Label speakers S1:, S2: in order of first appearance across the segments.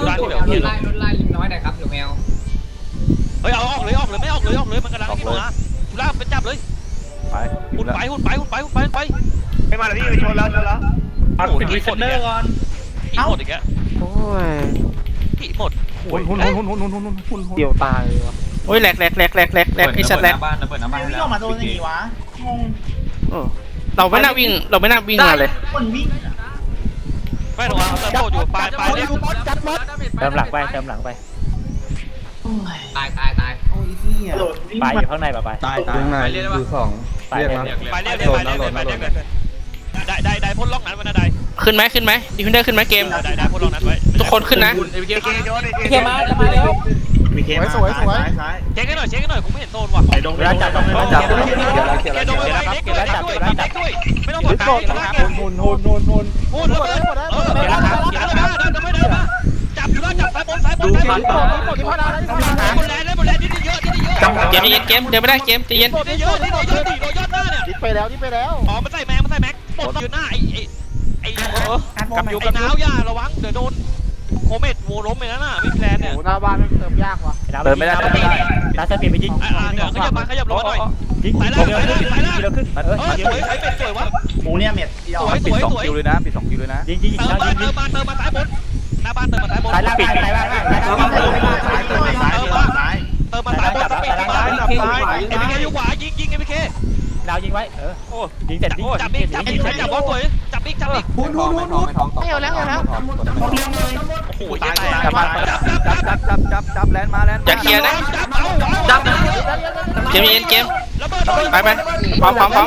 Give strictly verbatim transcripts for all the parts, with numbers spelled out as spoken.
S1: ด้านที่แบบ
S2: รถไล่รถไล่ลิงน้อยหน่อยครับหรือแมว
S1: เฮ้ยเอาออกเลยออกเลยไม่ออกเลยออกเลยมันกำลังนี่มาจุฬาไปจับเลย
S3: ไป
S1: หุ่นไปหุ่นไปหุ่นไปหุ่นไปไป
S4: ไม่มาแล้วพี่ไปชนแล้วชนแล้ว
S1: โอ้โหดีเนอร์ก่อนผีหมดอีกแล้วโอ้ยผีหมด
S3: หุ่นหุ่นหุ่นหุ่นหุ่นหุ่นหุ่นหุ่นหุ่น
S5: เดี่ยวตายวะ
S6: โอ้ยแหลกแหลกแหลกแหลกแหลกแหลกไอ้สัตว์แหลก
S4: บ้านระเบิดน้ำบ้านไม่ออกมาโดนอย่างงี้วะงง
S6: เราไม่น่าวิ่งเราไม่น่าวิ่งมาเลย
S4: คนวิ่ง
S1: ไม่หรอกเติมโตอยู่ปลายปลายเนี่ย
S5: เติมหลังไปเติมหลังไป
S2: ตายตายตาย
S4: โอ้ยเหี้ย
S5: ไปอยู่ข้างในป่ะไป
S3: ตายตายข้างในคือสอง
S5: ไป
S3: เรียก
S5: เลย
S3: นะ
S1: ไปเรียกไปเรียกไปเรียกไปเรียกได้ได้ได้พ่นล็อกนั้นมันได้
S6: ขึ้นไหมขึ้นไหมดีฟินเดอร์ขึ้นไหมเกม
S1: ได้ได้พ่นล็อกนั้นไว้
S6: ทุกคนขึ้นนะ
S4: เคโดน
S2: เคมาจะมาเร็ว
S4: มีเคมาสวยสวยซ้าย
S1: เช็คให้หน่อยเช็คให้หน่อยผมไม่เห็นโซนว่ะ
S4: ไปดงไปจับดงไปจับ
S1: เกียร์โดนไปเล็กด้วยเล็กด้วยเล็กด้วยไม่ต้องบอกใครนะ
S3: หุ่นหุ่นหุ่นหุ่น
S1: พูดเลยเออเกียร์ครับเกียร์แล้วเดินไม่เดินมาจับอยู่แล้วจับซ้ายบนซ้ายบนซ้ายบนบนแลนด์เลยบนแลนด์ที่เยอะที่เยอะ
S6: เกมใจเย็นเกมเดินไม่ได้เกมใจเย็น
S1: ที่เยอะที่เยอะที่โดนยอดหน้าเนี่ย
S3: ดิไปแล้วดิไปแล้ว
S1: อ๋อมันใส่แม็กมันใส่แม็กปลดอยู่หน้าไอ้ไอ้ไอ้กับอยู่กับน้าวย่าระวังเดี๋ยวโดนโคเมตโวล้มไปแล้วน่ะไม่แพลนเนี่ย
S3: โอ้หน้าบ้านเติมยากว่ะ
S5: เติมไม่ได้เติมไม่ได้ตาเปลี่ยนไปยิง
S1: อ่าเดี๋ยวขยับมาขยับลงมาหน่อย
S5: ยิง
S1: สายล่างสายล่างสายล่าง
S5: กิโลขึ้นเออ
S1: เออสวยใครเป็นสวยวะ
S4: หมูเนี่ยเม็ด
S1: สวยสวยสวย
S3: คิวเลยนะปิดสองคิวเลยนะ
S5: ยิงยิง
S1: เติมมาเติมมาเติมมาซ้ายบนหน้าบ้านเติมมาซ้ายบน
S5: สายล่างปิดสายล่าง
S4: เติมมาเติมมาซ้ายเติมมาซ้ายเติมมาซ้าย
S1: เติมมาซ้ายบนสปีดมาเอ็มพีเคอยู่ขวายิงยิงเอ็มพีเค
S5: ดาวยิงไว้เออ
S1: โอ้
S5: ยิงเสร็จยิง
S1: จับอีกจับอีกจับบอลสวยจับอีกจับอีก
S3: หุ่นหุ่นหุ่นหุ่นไม่เอาแล้วเอาแล้ว
S1: โอ้โหตายตาย
S3: จับ
S1: จับ
S3: จับ
S1: จับ
S3: จับจับจับจับแลนมาแลน
S6: อย่าเคลียร์นะ
S1: จับเอาจับ
S6: เกมใจเย็นเกม
S1: ระเบิด
S6: ไปไปพร้อมพร้อมพร้อม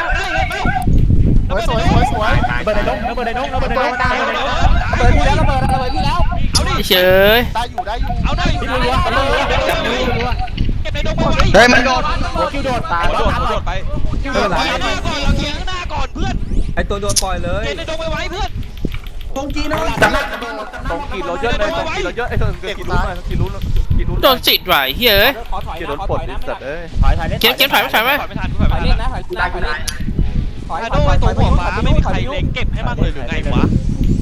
S3: สวยสวยสวย
S5: เบิร์ดในน้องเบิร์ดในน้องเบิร์ดในน้อง
S3: เปิดพี่แล้วระเบิดระเบิดพี่แล้ว
S1: เอาดิ
S6: เฉย
S3: ได้อยู่ได้อยู่
S1: เอาได้เก็บในดงไปไว้
S3: เฮ้ยมันโดด
S5: คิวโดดตาย
S1: โดดโดดไป
S3: เออไหล
S1: เกียร์หน้าก่อนเราเกียร์หน้าก่อนเพื่อน
S3: ไอตัวโดนปล่อยเลย
S1: เก็บในดงไปไว้เพื่อน
S3: ตรงกีนตรงกีเราเยอะเลยตรงกีเราเยอะไอตัวกีรู้หน่อยกีรู้กีรู้
S6: โดนจิตว่ะเฮ้ย
S3: กีโดนปลดดิสัตว์เอ้ย
S5: ถอยถอยเล่น
S6: เกมเกมถอยไม่ถอยไม่
S1: ถอยไม่ทันถอยไม่ทัน
S2: เล่นนะถอยตายตาย
S1: ไอ้โดยตัวหัวฟ้าไม่มีใครเล็งเก็บให้มันเลยหรือไงวะ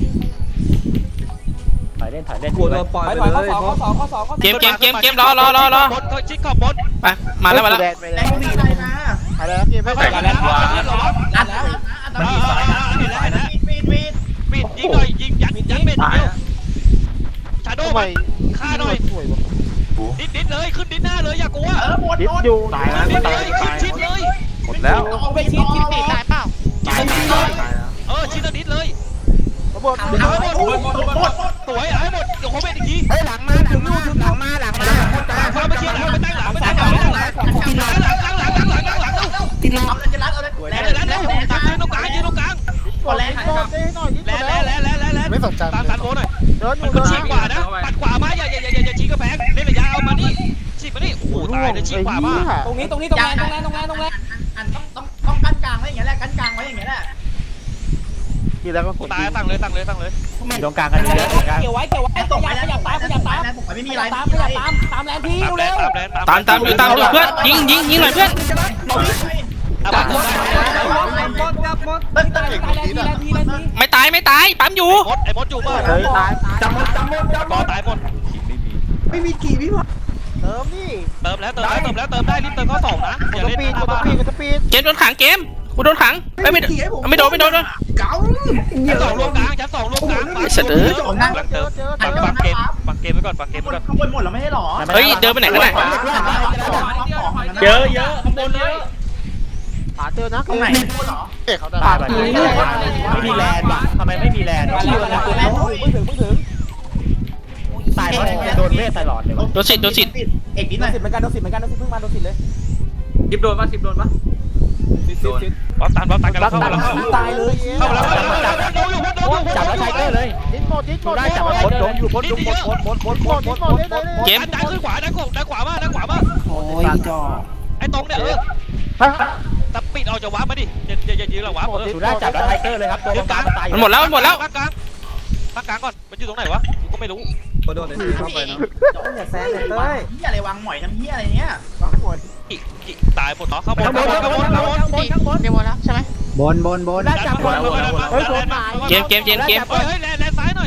S5: ถอยเล่นถอยเล่น
S3: กลัวโดนปล่อยไปเลย
S6: เกมเกมเกมเกมรอรอรอรอบ
S1: นชิดขอบบน
S6: ไปมาแล้วมาแล้ว
S4: แรงมีอะไรมา
S3: อะไรนะเกมไม่ใส่กันแล้ว
S4: อัดแล้วมันมีสายนะมีสายนะมีดมีด
S1: ปิดยิงหน่อยยิงยัดยัดเบ็ดเดียวชาโด
S3: ทำไม
S1: ฆ่าหน่อย
S3: สวยวะ
S1: ดิดดิดเลยขึ้นดิดหน้าเลยอย่ากลัว
S4: เออหมด
S3: คิด
S4: หมด
S3: อยู่
S4: ตายนะ
S1: ดิดเล
S4: ตาย
S1: ยขึ้นชิดเลย
S3: หมดแล้ว
S4: เอาไปชิดชิดปีตายเปล่าตายตายตาย
S1: เออชิดดิดเลย
S3: ระเบิด
S1: เอาให้หมดหมดสวยเอาให้หมดเดี๋ยวโคเมตอีกที
S3: เฮ้ยหลังมาถึงนู่นถึงหลังมาหลังมา
S1: พอมาเชียร์หลังไปตั้งหลังไปตั้งหลังไปตั้งหลังหลังหลังหลังหลังหลังหลังหลัง
S4: กินเอาเลยจะรัดเอาเลย
S1: แล้วแล้วแล้วยืนตรงกลางยืนตรงกลาง
S4: กดแรง
S3: โดนได้หน่อยนิด
S1: แล้ว
S3: แล้
S1: แล้ว วแล้วแล้วแล้ว
S3: ไม่สนใจ
S1: ตามสันโบหน่อย
S3: เดินอยู่
S1: มัน
S3: เดิน
S1: ฉีกขวานะปัดขวามาอย่าอย่าอย่าอย่าชี้กระแพงเล่นระยะเอามานี่ฉีกมานี่โอ้โหตายเลยฉีกขวามา
S2: ตรงนี้ตรงนี้ตรงแรงตรงแรงตรงแรงตรงแรง
S4: อันต้องต้องต้องกั้นกลางไว้อย่างเงี้ยแหละกั้นกลางไว้อย่างเงี้ยแหละ
S3: ทีแล้วก็กด
S1: ตายตั้งเลยตั้งเลยตั้งเลย
S5: ตรงกลางกันเยอะตรงกลาง
S2: เกี่ยวไว้เกี่ยวไว้
S4: ไอ้
S2: ข
S4: ตกไป
S2: ยับ
S4: แล้ว
S2: ขยับตามขยับตาม
S4: ผมไม่มีอะไร
S2: ตามขยับตามตามแรงที
S1: ตามแล
S2: เร็
S1: น
S2: ว
S1: ตามแลน
S6: ตามตามอยู่ตามอยู่เพื่อนยิงยิงยิงหน่อยเพื่อน
S1: ตามหมด
S4: เต้นเต้น
S2: ตายแรงทีแรงทีแรงที
S6: ไม่ตายไม่ตายปั๊มอยู่
S1: มดไอ้มดอยู่ป่ะ
S3: เฮ้ยตาย
S4: จำหมดจำหมดจำหม
S1: รอ
S4: ด
S1: ตายหมด
S4: ไม่มีกี่พี่พอ
S3: เติมนี่
S1: เติมแล้วเติมแล้วเติมแล้วเติมได้รีบเติมข้อสองนะอย่า
S3: ส
S1: เล่น
S3: ปีด
S1: หน้าก
S3: ด
S1: บ้าน
S3: สปีดกดสปีด
S6: เกมโดนขังเกมกูโดนขังไม่ไม่ไม่โดนไม่โดน
S4: เก๋า
S1: ชั้นสองรวมกลางชั้นสองรวมกลาง
S6: ไอ้สัตว์เอ้ย
S1: กำลังเติมปักปักเกมปักเกมไว้ก่อนปักเกมไว้ก่อน
S4: ข้างบนหมดแล้วไม่ใช่หรอ
S6: เฮ้ยเดินไปไหนกันน่ะ
S5: เยอะเยอะข้างบนเยอะ
S3: หาเจอนะ
S4: ตรงไหนพูดหรอ
S3: เอ๊ะเขาได้
S5: ปาดไม่มีแลนด์ว่ะทำไมไม่มีแลนด์
S2: แรงแรงมึงถึงมึงถึง
S5: ตายเพราะโดนเวทตลอดเลย
S6: โดนสิโดนสิ
S4: เอกนิดห
S2: โด
S4: น่อน ย
S2: สิเหมือนกันโดนสิเหมือนกันโดนสิเพิ่งมาโดนสิเลย
S4: สิบโดนปะสิบโดนปะ
S1: บอลตันบอลตันกันแล้วเข้าแล้วเข้า
S2: ตายเลย
S1: เข้าแล้วเข้าแล้วโดนอยู่โดนอยู่
S5: จับแล้วไทเกอร์เลย
S3: ดิ้นหมดดิ้นหมด
S5: ได้จับแล้ว
S3: หมด
S5: โดนอยู่บน
S1: นี่เยอะ
S3: หมดหมดหมดหมดหมดหมด
S6: เกม
S1: ดันขึ้นขวาดันขวาดันขวามาดันขวามา
S2: โอ้ยจ่อ
S1: ไอ้ตรงเนี่ยเออแต่ปิดออกจากวาร์ปมาดิอย่าอย่าอย่ายืนหลังวาร์ปเออ
S5: สุดาจับแล้วไทเกอร์เลยครับตัวกลางตาย
S6: มันหมดแล้วมันหมดแล้ว
S1: ภาคกลางภาคกลางก่อนมันอยู่ตรงไหนวะกูก็ไม่รู้
S3: โดนเลยเข้าไปนะ
S2: อย่าแซงเลย
S4: เฮ้
S2: เต้
S4: ย
S2: ย
S4: เฮียอะไรวางหมอยทำเฮียอะไรเนี้ย
S1: อีกอีกตายหมดเนาะเข้าบนเข้าบนเข้าบนเข้าบน
S2: ข้างบนเดี๋ยวหมดแล้วใช่ไหม
S5: บนบนบน
S1: ได้จับบอลเฮ้ย
S6: เกมเกมเกมเกม
S1: เฮ้ยแลนแลนซ้ายหน่อย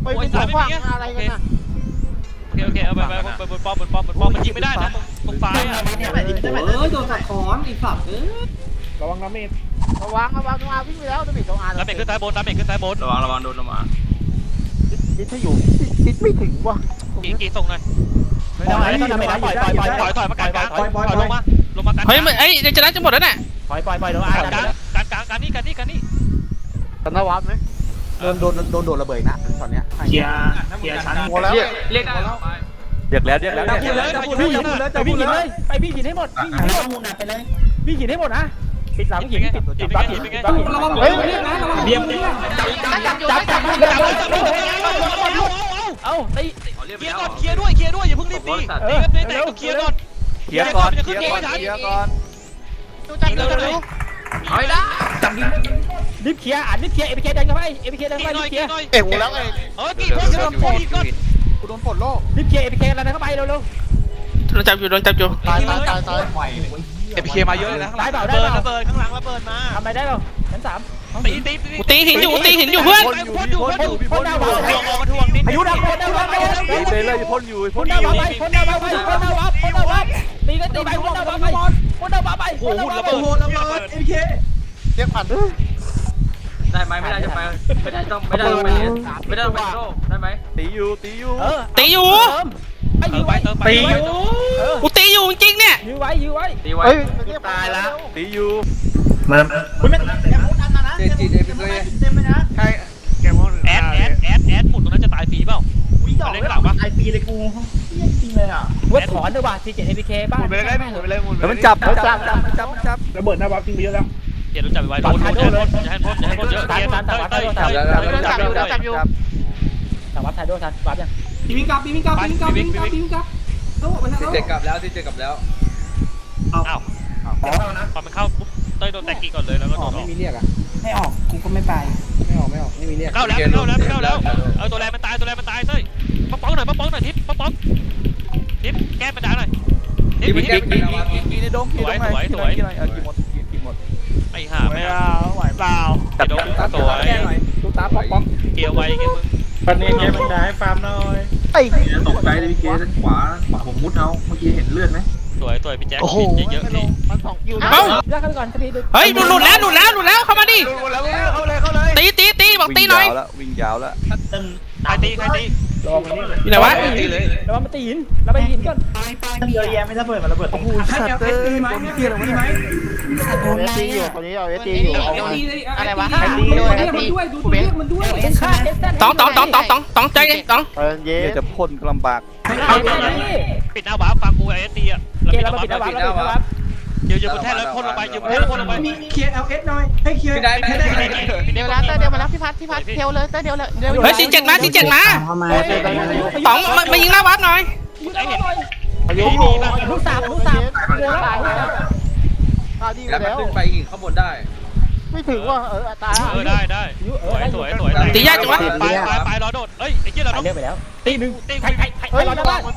S1: โอ้ยสายไม่มีอะไรกันนะโอเคโอเคเอาไปไปบนป้อมบนป้อมบนป้อมมันยิงไม่ได้นะตรงซ้ายอ่ะ
S2: เอ้ยโดนสัตว์ขอนอีสัตว์เอ้ย
S5: ระวังน้ำมีด
S2: ระวังระวังมาวิ่งไปแล้วจะมีสองอัน
S1: ตามเบรกขึ้นซ้ายบนตามเบรกขึ้นซ้ายบน
S3: ระวังระวังโดนลงมา
S2: ดิถ้าอยู่ดิไม่ถึงว่ะ
S1: กี่กี่ส่งหน่อย
S5: ไม่ได้ไม่ได้ไม่ได้ปล่อยปล่อยปล่อย
S1: ถอยถอยมากลางกลางถอยลงมาลงมากลาง
S6: เฮ้ยมันเอ้ยเดี๋ยวจะได้จะหมดแล้วน่ะ
S5: ปล่อยปล่อยปล่อยโดนอา
S1: ก
S5: ร์
S1: ลางกลางกลางกลางนี่กันนี่กันนี่
S2: ตอนนวับไหมโดนโดนโดนโดนระเบิดนะตอนเนี้ย
S4: เคลียร์เคลียร์ชั้น
S2: หมดแล้ว
S3: เรียกได้แล้วเรียกแล้วเรียกแล้ว
S1: จับพูดเลยจับพูดเลยจับพูดเลย
S5: ไปพี่หินเลยไปพี่หินให้หมดพี่หินให้หมด
S2: มูนัดไปเลย
S5: พี่หินให้หมดนะปิดหลังหินปิดปิดบัฟหินปิดบัฟหิน
S2: เฮ้ยเรียกนะระวัง
S4: เรียบ
S5: จับจับจับ
S1: จับจับจับจับ
S5: เอาตี
S1: เคลียร์ก่อนเคลียร์ด้วยเคลียร์ด้วยอย่าเพิ่งรีบตีตีกันตีแต่ก็เคลียร์ก่อน
S3: เคลียร์ก่อนเคลียร์ก่อนเคลียร์ก่อน
S1: จับเร็วเร็วถอยได้
S5: รีบเคลียร์อ่านรีบเคลียร์เอพีเคเดินเข้าไปเอพีเคเดิน
S1: กี่
S5: เข้า
S1: หน่
S5: ไป
S1: อย
S5: รีบเคลี
S1: กี่
S5: ยร์
S1: หน่อย
S3: เอ็งแล้วไง
S1: เออกี่พวกโดนปลดก่อน
S2: กูโดนปลดโลก
S5: รีบเคลียร์เอพีเคแล้วเข้าไปเร็ว
S6: โดนจับอยู่โดนจับอยู่
S2: ตายตายตายตาย
S3: เอพีเคมาเยอะเลยนะ
S5: ตายเปล่าได้
S1: เบิร์
S5: เปล่า
S1: ระเบิดข้างหลังระเบิดมา
S5: ทำไมได้เปล่าชั้นสาม
S1: ตีตี
S6: กูตีหินอยู่ตีหินอยู่เพื่อน
S1: พ่นอยู่พ่นอยู่พ่นดาวทวงออกมาทวงนิด
S5: อายุดักพ่นดาวไป
S3: ตีไปเลยพ่นอยู่
S5: พ่
S3: พ่
S5: น
S3: น
S5: ดาว
S3: อยู่
S5: ไปพ่นดาวไปพ่นดาวพ่นดาวตีกันตีไปพ่นดาวไปพ่นดาวไป
S1: โอ้โหระเบิดระเบิด
S2: เรียกผ่าน
S3: ได้ไหมไม่ได้จะไปไม่ได้ต้องไม่ได้ต้องไปไม่ได้ต้องไปโลได้ไหมตีอยู่ตีอยู่
S5: เออ
S6: ตีอยู่
S5: ไป
S1: เติ
S5: ยื้
S1: ม
S5: อ
S1: ไป
S5: ไว้
S1: เติมไป
S3: ตีอยู่
S6: กูตีอยู่จริงๆเนี่ย
S5: ยื้อไว้ยื้อไว้
S3: ตีไว้
S2: เฮ้ย
S3: ตายแล้วตีอยู่
S4: มัน
S3: เจจีเดบิเลยใช่แกมอน
S1: แอดแอดแอดแอดหมุนตรงนั้นจะตายฟรีเปล่าเล่นหลังปะ
S2: ไอปีเลยกูจริงเลยอ่ะ
S5: เว็บถอนด้วยว่ะซีเจ็ดเอพีเคบ้า
S3: หมุนไปเลยหมุนไปเลยหมุนแล้วมันจับมันจับจับจับจับ
S5: ระเบิดหน้าบัฟทิ้งไปเยอะแล้ว
S1: เดี๋ยวเราจับไปไว้โดนโดนอย่าให้พ่นอย่าให้พ่นเยอะเกียร์เต้ยเต้ยเต้ยจับอยู่จับอยู่
S5: แต่วับถ่ายด้วยทันวับยัง
S2: ปีมิงกับปีมิงกับปีมิงกับปีมิงกับปีมิงกับโลกไปแล้ว
S3: ที่เจ็ดกลับแล้วที่เจ็ดกลับแล้ว
S1: อ้าวพอมันเข้าปุ๊บเต้ยโดนแตกกี่ก่อนเลยแล้วก็โดนออก
S2: ไม่เรียกอ่ะไม่ออกกูก็ไม่ไปไม่ออกไม่ออกไม่มีเรียก
S1: เข้าแล้วเข้าแล้วเข้าแล้วเอาตัวแรงมันตายตัวแรงมันตายเต้ยป๊อกป๊อกหน่อยป๊อกป๊อกหน่อยทิปป๊อกป๊อกทิปแก้ปัญหาหน่อยทิป
S3: กิน
S1: ทิป
S3: กินกินกินในดงกินตรงไหนกินอะไรกินอะไรกินหมดกินหมด
S1: ไอ้ห่าไม่เอา
S5: ไหวเปล่า
S3: จับจับจับตัวแก้หน่อย
S5: ตูตาป๊อกป๊อก
S1: เกียร์ไว้เกียร์มึง
S5: ปันนี้แกมันได้ฟาร์มหน่อย
S2: ไอ้
S4: ตกใจเลยพี่เกด้านขวาขวาผมมุดเอาเมื่อกี้เห็นเลือดไหม
S1: สวยสวยพี่แจ็คเยอะๆนี่
S2: มันสองคิว
S6: เอ้า
S5: เลือกกันก่อนสักที
S6: เฮ้ยหลุดหลุดแล้วหลุดแล้วหลุดแล้วเข้ามาดิ
S3: ดูแล้วเข้าเลยเข้าเลย
S6: ตีตีตีบอกตีหน่อย
S3: วิ่งยาวแล้ว
S1: ใครตีใครตี
S5: ลองอันนี้
S6: อยู่ไหนวะ
S3: ตีเลย
S5: แล้วมันตีหินแล้วไปหินก่อน
S2: เยอะแยะไม่ระเบิดมันระเบิดโอ้โหสัตว์เอ้ยคนเที่ยวไหมโดนตีอยู่คนนี้เอาเอตีอยู่อะไรวะไอตีด้วยไอตีด้วยดูตัวเลขมันด้วย
S6: ตองตองตองตองตองตองใจเย็นตอง
S2: เออเย้
S3: จะพ่นก็ลำบาก
S5: เอาไปนี่
S1: ปิดหน้าบ้าฟังกูไอ้ตีอ่ะ
S5: เกมเราปิดนะวับเราปิดนะวับ
S1: ยืนยืนบนแท่นแล้วพ่นลงไปยืนบนแท่นแล้วพ่นลงไป
S2: มีเคลียร์เอลเอสหน่อยให้เคลียร์
S3: พี่ได้พี่ได้
S1: เดี๋ยว
S7: เดี๋ยวแล้วเตอร์เดี๋ยวมาแล้วพี่พัดพี่พัดเทลเลยเตอร์เดี๋ยวเลยเดี๋ยว
S6: เฮ้ยสี่เจ็ดมาสี่เจ็ดมาตองมามายิงหน้าวัดหน่อย
S5: ไอ้เห็น
S2: อายุ
S5: ลูกสามลูกสามโดนแล้ว
S2: ตายดี
S3: แล้วมัน
S2: แล้ว
S3: ขึ้นไปหินข้างบนได้
S2: ไม่ถึงว่าเออตาย
S1: เออได้ได้สวยสวยสวย
S6: ตียากจังวะ
S1: ไปไปไปรอโดดเอ้ยไอ้เจี๊ยเรา
S5: ไป
S1: ต้อง
S5: เลือกไปแล้วตีหนึ่ง
S1: ตี
S5: ใครใครใครรอได้บ้าง